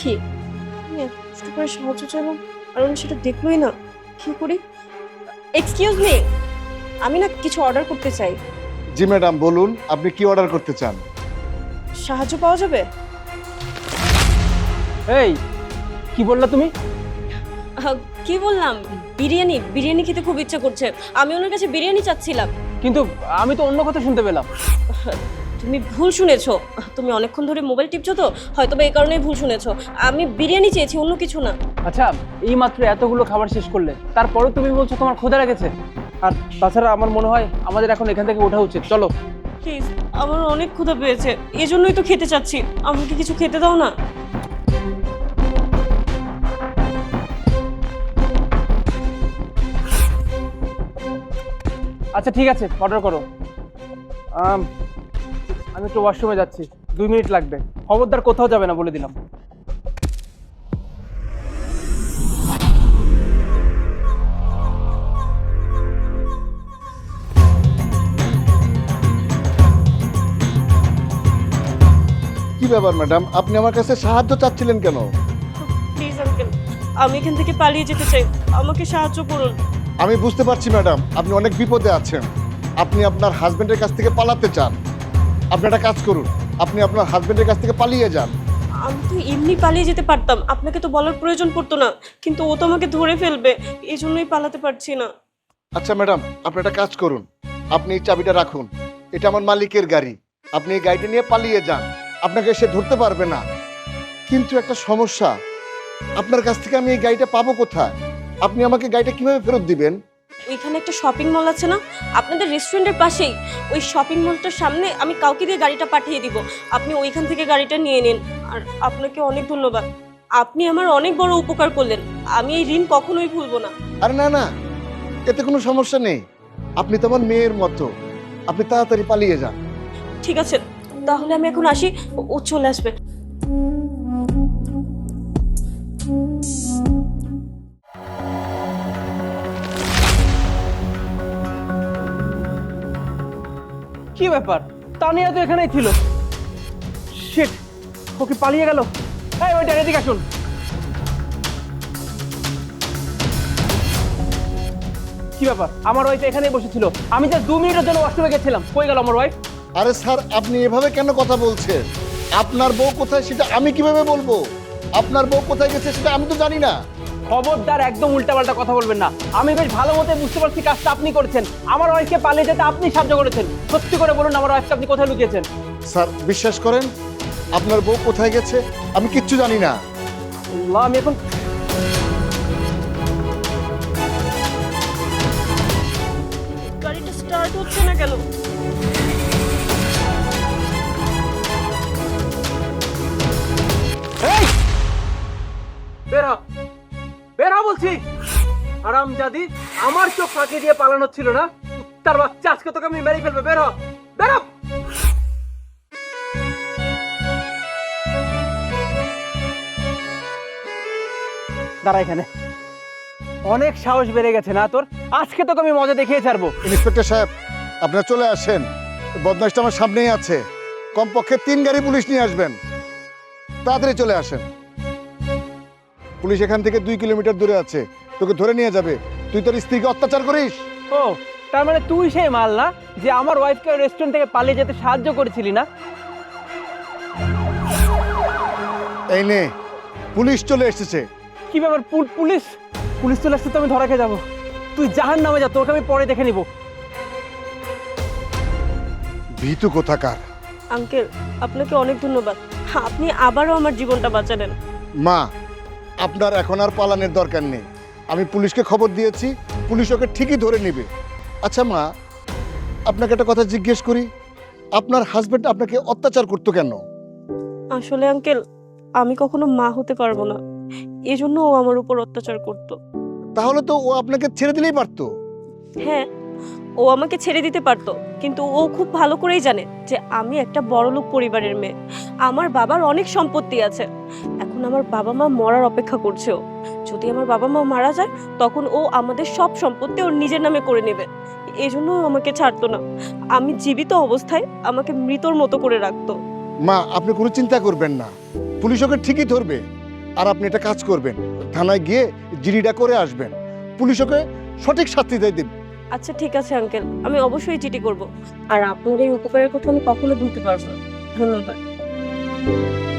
কি আমি এত কষ্ট করে সাহায্য চাইলাম আর উনি সেটা দেখলোই না। কি করি? এক্সকিউজ মি, আমি না কিছু অর্ডার করতে চাই। জি ম্যাডাম, বলুন আপনি কি অর্ডার করতে চান? সাহায্য পাওয়া যাবে? এই কি বললা তুমি? কি বললাম? বিরিয়ানি বিরিয়ানি খেতে খুব ইচ্ছে করছে, আমি ওনার কাছে বিরিয়ানি চাচ্ছিলাম। কিন্তু আমি তো অন্য কথা শুনতে পেলাম। তুমি ভুল শুনেছো, তুমি অনেকক্ষণ ধরে মোবাইল টিপছো তো, হয়তো বা এই কারণেই ভুল শুনেছো। আমি বিরিয়ানি চেয়েছি, অন্য কিছু না। আচ্ছা, এই মাত্র এতগুলো খাবার শেষ করলে, তারপরেও তুমি বলছো তোমার ক্ষুধা লেগেছে। আর তাছাড়া আমার মনে হয় আমাদের এখন এখান থেকে ওঠা উচিত। চলো। প্লিজ, আমার অনেক ক্ষুধা পেয়েছে, এই জন্যই তো খেতে চাচ্ছি। আমাকে কিছু খেতে দাও না। আচ্ছা ঠিক আছে, অর্ডার করো। আমি একটু ওয়াশরুমে যাচ্ছি, 2 মিনিট লাগবে। খবরদার কোথাও যাবে না বলে দিলাম। কি ব্যাপার ম্যাডাম, আপনি আমার কাছে সাহায্য চাচ্ছিলেন কেন? প্লিজ আঙ্কেল, আমি এখান থেকে পালিয়ে যেতে চাই, আমাকে সাহায্য করুন। আমি বুঝতে পারছি ম্যাডাম, আপনি অনেক বিপদে আছেন। আপনি আপনার হাজবেন্ডের কাছ থেকে পালাতে চান। আপনি একটা কাজ করুন, আপনি আপনার হাজবেন্ডের কাছ থেকে পালিয়ে যান। আমি তো এমনি পালিয়ে যেতে পারতাম, আপনাকে তো বলার প্রয়োজন পড়তো না, কিন্তু ও তো আমাকে ধরে ফেলবে, এই জন্যই পালাতে পারছি না। আচ্ছা ম্যাডাম, আপনি একটা কাজ করুন, আপনি এই চাবিটা রাখুন। এটা আমার মালিকের গাড়ি, আপনি এই গাড়িটা নিয়ে পালিয়ে যান। আপনাকে সে ধরতে পারবে না। কিন্তু একটা সমস্যা, আপনার কাছ থেকে আমি এই গাড়িটা পাবো কোথায়? আপনি আমাকে গাড়িটা কিভাবে ফেরত দিবেন? ওইখানে একটা শপিং মল আছে না, আপনাদের রেস্টুরেন্টের পাশেই, ওই শপিং মলটার সামনে আমি কাউকে দিয়ে গাড়িটা পাঠিয়ে দিব, আপনি ওইখান থেকে গাড়িটা নিয়ে নিন। আর আপনাকে অনেক ধন্যবাদ, আপনি আমার অনেক বড় উপকার করলেন, আমি এই ঋণ কখনোই ভুলবো না। আরে না না, এতে কোনো সমস্যা নেই। আপনি তো আমার মেয়ের মতো, আপনি তাড়াতাড়ি পালিয়ে যান। ঠিক আছে, তাহলে আমি এখন আসি, ও চলে আসবে। কি ব্যাপার? তানিয়া তো এখানেই ছিল। শিট, ও কি পালিয়ে গেল? এই ওইটা এদিকে আসুন। কি ব্যাপার? আমার ওয়াইফ এখানেই বসেছিল, আমি জাস্ট 2 মিনিটের জন্য ওয়াশরুমে গেছিলাম। কই গেল আমার ওয়াইফ? আরে স্যার, আপনি এভাবে কেন কথা বলছেন? আপনার বউ কোথায় সেটা আমি কিভাবে বলবো? আপনার বউ কোথায় গেছে সেটা আমি তো জানি না। খবরদার, একদম উল্টাপাল্টা কথা বলবেন না। আমি বেশ ভালো মতো বুঝতে পারছি কাজটা আপনি করেছেন। আমার ওয়াইফকে পালিয়ে যেতে আপনি সাহায্য করেছেন। সত্যি করে বলুন, আমার ওয়াইফকে আপনি কোথায় লুকিয়েছেন? স্যার বিশ্বাস করেন, আপনার বউ কোথায় গেছে আমি কিচ্ছু জানি না। আল্লাহ, আমি এখন গাড়িটা স্টার্ট হচ্ছে না কেন? এই বের হ, বের হ বলছি। হারামজাদি, আমার চোখ ফাঁকি দিয়ে পালানো ছিল না? তার বাচ্চা, আজকে তোকে আমি মেরে ফেলবো। বের হ, বের হ। দাঁড়া এখানে। অনেক সাহস বেড়ে গেছে না তোর? আজকে তোকে আমি মজা দেখিয়ে ছাড়বো। ইন্সপেক্টর সাহেব, আপনারা চলে আসেন। বদমাইশটা আমার সামনেই আছে। কমপক্ষে 3 গাড়ি পুলিশ নিয়ে আসবেন। তাড়াতাড়ি চলে আসেন। পুলিশ এখান থেকে 2 কিলোমিটার দূরে আছে, তোকে ধরে নিয়ে যাবে। তুই তোর স্ত্রীকে অত্যাচার করিস। ও, তার মানে তুই সেই মাল না যে আমার ওয়াইফকে রেস্টুরেন্ট থেকে পালিয়ে যেতে সাহায্য করেছিলি না? এই নে, পুলিশ চলে এসেছে। কি ব্যাপার? পুলিশ? পুলিশ চলে আসতে তো আমি ধরা খেয়ে যাবো। তুই জাহান্নামে যা, তোকে আমি পরে দেখে নিব। ভীতু কোথাকার। আঙ্কেল, আপনাকে অনেক ধন্যবাদ, আপনি আবারও আমার জীবনটা বাঁচালেন। মা, আপনার এখন আর পালানোর দরকার নেই। আমি পুলিশকে খবর দিয়েছি, পুলিশ ওকে ঠিকই ধরে নেবে। আচ্ছা মা, আপনাকে একটা কথা জিজ্ঞেস করি, আপনার হাজবেন্ড আপনাকে অত্যাচার করতো কেন? আসলে আঙ্কেল, আমি কখনো মা হতে পারবো না, এজন্য ও আমার উপর অত্যাচার করতো। তাহলে তো ও আপনাকে ছেড়ে দিলেই পারতো। হ্যাঁ, ও আমাকে ছেড়ে দিতে পারতো, কিন্তু ও খুব ভালো করেই জানে যে আমি একটা বড়লোক পরিবারের মেয়ে, আমার বাবার অনেক সম্পত্তি আছে। এখন আমার বাবা মা মরার অপেক্ষা করছে ও। যদি আমার বাবা মা মারা যায়, তখন ও আমাদের সব সম্পত্তি ওর নিজের নামে করে নেবে। এজন্য ও আমাকে ছাড়তো না, আমি জীবিত অবস্থায় আমাকে মৃতর মতো করে রাখতো। মা, আপনি কোনো চিন্তা করবেন না, পুলিশ ওকে ঠিকই ধরবে। আর আপনি একটা কাজ করবেন, থানায় গিয়ে জিডিটা করে আসবেন, পুলিশ ওকে সঠিক শাস্তি দিয়ে দেবে। আচ্ছা ঠিক আছে আঙ্কেল, আমি অবশ্যই চিঠি করব। আর আপনার এই উপকারের কথা আমি কখনো ভুলতে পারবো না। ধন্যবাদ।